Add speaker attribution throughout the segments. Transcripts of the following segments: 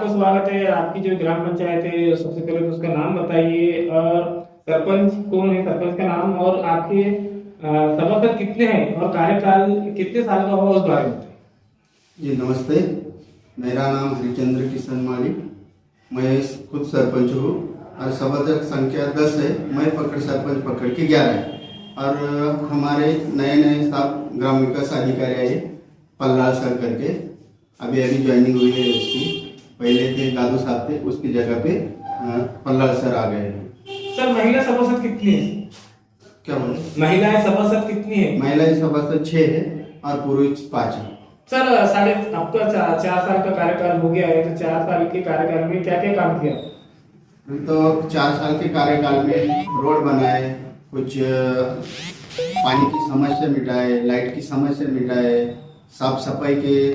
Speaker 1: आपका स्वागत है। आपकी जो ग्राम पंचायत है, सबसे पहले तो उसका नाम बताइए और सरपंच कौन है, सरपंच का नाम और आपके सभासद कितने हैं और कार्यकाल कितने साल का होगा उस बारे में।
Speaker 2: जी नमस्ते, मेरा नाम हरिचंद्र किशन माली। मैं खुद सरपंच हूँ और सभासद संख्या 10 है। मैं सरपंच पकड़ के 11 है और हमारे नए नए 7 ग्राम विकास अधिकारी आए, पल्लाल सर करके। अभी ज्वाइनिंग हुई है उसकी। पहले थे दादू साहब थे, उसकी जगह पे पल्लाल सर आ गए।
Speaker 1: सर महिला सभासद कितनी है?
Speaker 2: क्या बोले?
Speaker 1: महिलाएं सभासद कितनी है?
Speaker 2: महिलाएं सभासद 6 है और पुरुष 5 है।
Speaker 1: सर आपका 4 साल का कार्यकाल हो गया है, तो 4 साल के कार्यकाल में क्या क्या काम किया?
Speaker 2: तो 4 साल के कार्यकाल में रोड बनाए, कुछ पानी की समस्या मिटाए, लाइट की समस्या मिटाए, साफ सफाई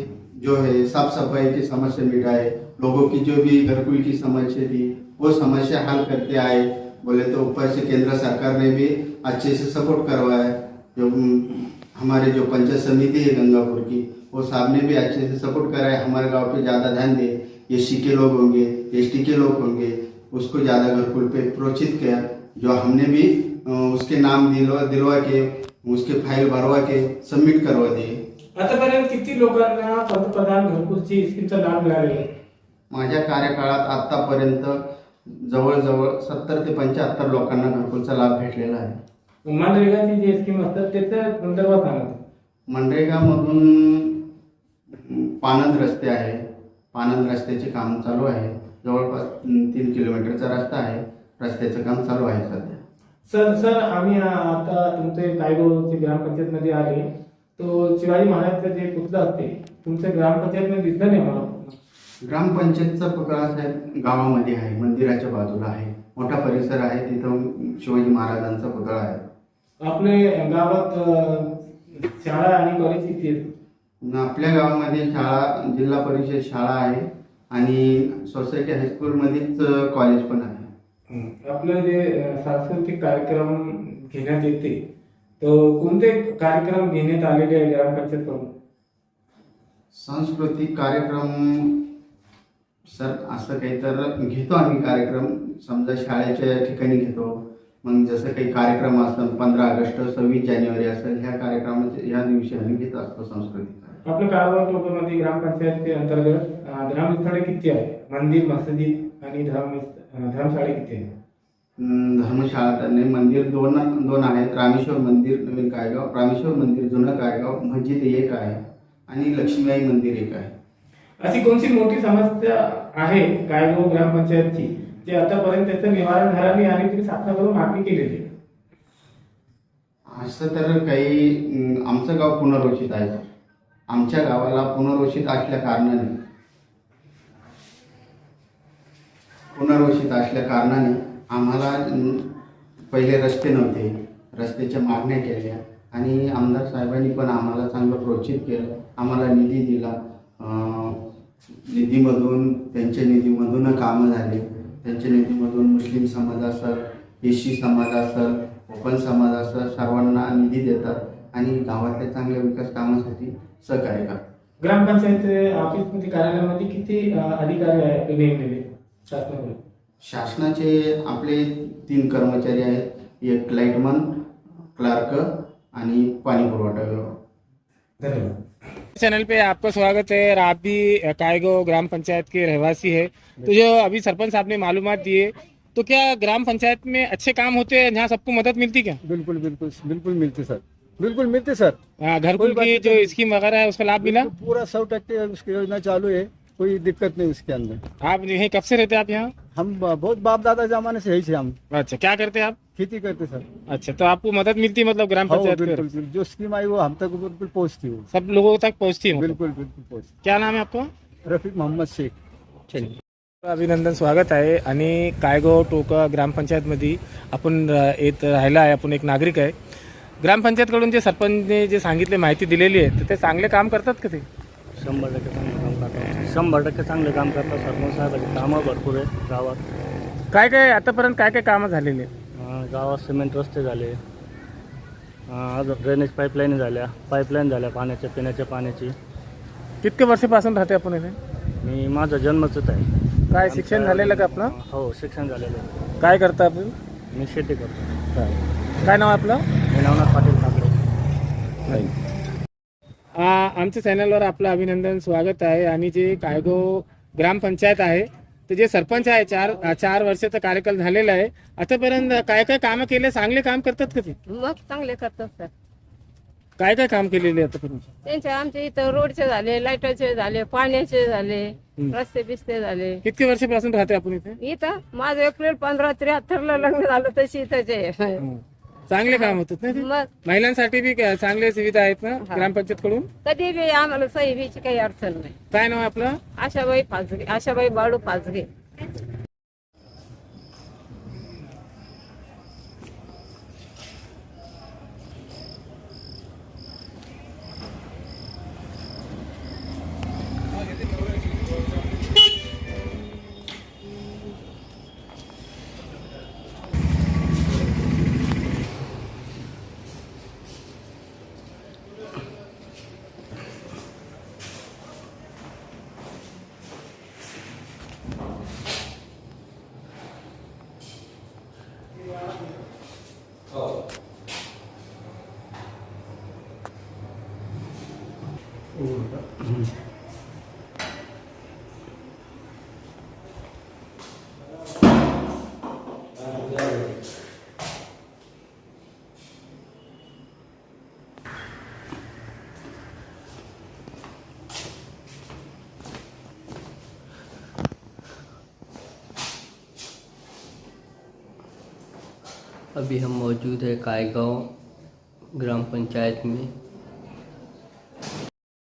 Speaker 2: की समस्या मिटाए, लोगों की जो भी घरकुल की समस्या थी वो समस्या हल करते आए। बोले तो ऊपर से केंद्र सरकार ने भी अच्छे से सपोर्ट करवाया। जो हमारे जो पंचायत समिति है गंगापुर की, वो साहब ने भी अच्छे से सपोर्ट कराया। हमारे गांव पे ज़्यादा ध्यान दे, एससी के लोग होंगे, एसटी के लोग होंगे, उसको ज़्यादा घरकुल पे प्रोत्साहित किया। जो हमने भी उसके नाम दिलवा के उसके फाईल भरवा के सबमिट करवा दिए।
Speaker 1: आतापर्यंत किती लोकांना पंतप्रधान घरकुलची स्कीमचा लाभ मिळालेला आहे?
Speaker 2: माझ्या कार्यकाळात आतापर्यंत जवळजवळ 70 ते 75 लोकांना घरकुलचा लाभ भेटलेला आहे।
Speaker 1: मनरेगाची जी स्कीम असतात त्याच्या संदर्भात सांगा।
Speaker 2: मनरेगामधून पानंद रस्ते आहे, पानंद रस्त्याचे काम चालू आहे। जवळपास 3 किलोमीटरचा रस्ता आहे, रस्त्याचं काम चालू आहे सध्या।
Speaker 1: सर आम्ही आता तुमचे कायगावचे ग्रामपंचायतमध्ये आले, तो शिवाजी महाराजचं जे पुतळं असते तुमच्या ग्रामपंचायतमध्ये दिसलं नाही मला।
Speaker 2: ग्रामपंचायतचा पुतळा साहेब गावामध्ये आहे, मंदिराच्या बाजूला आहे, मोठा परिसर आहे, तिथं शिवाजी महाराजांचा पुतळा आहे।
Speaker 1: आपल्या गावात शाळा आणि कॉलेज किती आहेत?
Speaker 2: आपल्या गावामध्ये शाळा, जिल्हा परिषद शाळा आहे आणि सोसायटी हायस्कूलमध्येच कॉलेज पण आहे।
Speaker 1: आपलं जे सांस्कृतिक कार्यक्रम घेण्यात येते, तो कोणते कार्यक्रम घेण्यात आलेले आहे ग्रामपंचायतकडून?
Speaker 2: सांस्कृतिक कार्यक्रम सर असं काही तर घेतो आम्ही कार्यक्रम, समजा शाळेच्या ठिकाणी घेतो। मग जसं काही कार्यक्रम असतात 15 ऑगस्ट 26 जानेवारी असेल, ह्या कार्यक्रमाचे ह्या दिवशी आम्ही घेत असतो सांस्कृतिक।
Speaker 1: आपल्या काळवा टोकामध्ये ग्रामपंचायतचे अंतर्गत धर्मस्थळे किती आहे? मंदिर, मस्जिद आणि धर्मशाळे किती आहे?
Speaker 2: धर्मशाळा तर नाही, मंदिर दोन आहेत। रामेश्वर मंदिर नवीन कायगाव, रामेश्वर मंदिर जुनं कायगाव, मस्जिद एक आहे आणि लक्ष्मीबाई मंदिर एक आहे।
Speaker 1: अशी कोणती मोठी समस्या आहे कायगाव ग्रामपंचायतची जे आतापर्यंत त्याचं निवारण झालं नाही आणि तुम्ही शासनाकडून मागणी केलेली?
Speaker 2: असं तर काही आमचं गाव पुनर्वसित आहे सर। आमच्या गावाला पुनर्वसित असल्या कारणाने आम्हाला पहिले रस्ते नव्हते, रस्त्याच्या मागण्या केल्या आणि आमदार साहेबांनी पण आम्हाला चांगलं प्रोत्साहित केलं, आम्हाला निधी दिला। त्यांच्या निधीमधून कामं झाले। त्यांच्या निधीमधून मुस्लिम समाज असेल, एससी समाज असेल, ओपन समाज असेल, सर्वांना निधी देतात आणि गावातल्या चांगल्या विकास कामासाठी सहकार्य करतात।
Speaker 1: ग्रामपंचायत ऑफिसमध्ये कार्यालयामध्ये किती अधिकारी आहेत नेमलेले शासनाकडून?
Speaker 2: शासनाचे आपले 3 कर्मचारी आहेत, एक लाइटमन, क्लर्क आणि पाणी पुरवठा विभाग।
Speaker 1: धन्यवाद। चैनल पे आपका स्वागत है और आप भी कायगांव ग्राम पंचायत के रहवासी है, तो जो अभी सरपंच साहब ने मालूमात दिए, तो क्या ग्राम पंचायत में अच्छे काम होते हैं जहाँ सबको मदद मिलती क्या?
Speaker 3: बिल्कुल बिल्कुल बिल्कुल मिलते सर, बिल्कुल मिलते सर।
Speaker 1: घरकुल की जो स्कीम वगैरह है उसका लाभ मिला?
Speaker 3: पूरा 100% उसकी योजना चालू है, कोई दिक्कत नहीं उसके अंदर।
Speaker 1: आप यहीं कब से रहते हैं आप यहाँ?
Speaker 3: हम बहुत बाप दादा जमाने से यही थे हम।
Speaker 1: अच्छा, क्या करते हैं आप?
Speaker 3: खेती करते सर।
Speaker 1: अच्छा, तो आपको मदद मिलती है मतलब ग्राम पंचायत
Speaker 3: बिल्कुल
Speaker 1: की?
Speaker 3: बिल्कुल, जो स्कीम आई वो हम तक बिल्कुल पहुँचती हो,
Speaker 1: सब लोगों तक पहुँचती है मतलब?
Speaker 3: बिल्कुल बिल्कुल पहुँचती।
Speaker 1: क्या नाम है आपका?
Speaker 3: रफीक मोहम्मद शेख। चलिए,
Speaker 1: अभिनंदन, स्वागत आहे। आणि कायगाव टोका ग्रामपंचायतमध्ये आपण येत राहिला आहे, आपण एक नागरिक आहे। ग्रामपंचायतकडून जे सरपंचने जे सांगितले, माहिती दिलेली आहे, तर ते चांगले काम करतात का? ते
Speaker 4: 100% चांगलं काम करतात, 100% चांगले काम करतात। सरपंच साहेबांची कामं भरपूर आहेत गावात।
Speaker 1: काय काय आतापर्यंत काय काय कामं झालेली आहेत?
Speaker 4: गावात सिमेंट रस्ते झाले, अजून ड्रेनेज पाईपलाईन झाल्या, पाण्याच्या पिण्याच्या पाण्याची।
Speaker 1: कितके वर्षापासून राहते आपण इथे?
Speaker 4: मी माझा जन्मच आहे.
Speaker 1: काय शिक्षण झालेलं का आपलं?
Speaker 4: हो, शिक्षण झालेलं आहे.
Speaker 1: काय करता आपण?
Speaker 4: मी शेती करतो.
Speaker 1: काय नाव आपलं?
Speaker 4: मी नवनाथ पाटील ठाकरे.
Speaker 1: आमच्या चॅनलवर आपलं अभिनंदन, स्वागत आहे. आणि जे कायगो ग्रामपंचायत आहे तर जे सरपंच आहे 4 वर्षाचा कार्यकाल झालेला आहे. आतापर्यंत काय काय कामं केले? चांगले काम करतात का ते?
Speaker 5: मग चांगले करतात सर.
Speaker 1: काय काय काम केलेले आतापर्यंत?
Speaker 5: त्यांचे आमच्या इथं रोडचे झाले, लाईटाचे झाले, पाण्याचे झाले, रस्ते बिस्ते झाले.
Speaker 1: किती वर्षापासून राहते आपण इथे?
Speaker 5: इथं माझं एप्रिल 1573 लग्न झालं तशी इथंच आहे.
Speaker 1: चांगले काम होतात ना ते?
Speaker 5: मग
Speaker 1: महिलांसाठी बी चांगल्या सुविधा आहेत ना ग्रामपंचायत कडून?
Speaker 5: कधी बी आम्हाला सही बीची काही अडचण नाही.
Speaker 1: काय नाव आहे आपलं?
Speaker 5: आशाबाई पाचगे, आशाबाई बाळू पाचगे.
Speaker 6: अभी हम मौजूद है कायगांव ग्राम पंचायत में।